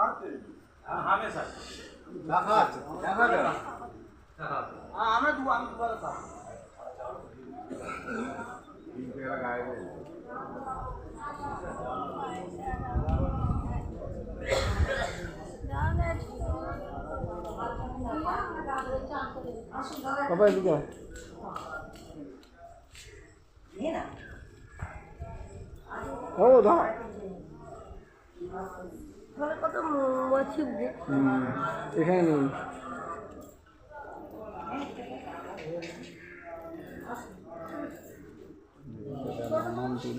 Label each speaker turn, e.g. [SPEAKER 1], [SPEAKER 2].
[SPEAKER 1] হামেশা
[SPEAKER 2] দেখা আছে দেখা যাবে
[SPEAKER 1] আমরা আমি দুবার
[SPEAKER 3] বাবা এদিকে ও ধর
[SPEAKER 4] কত মাছি
[SPEAKER 3] এখানে নেই নাম দিল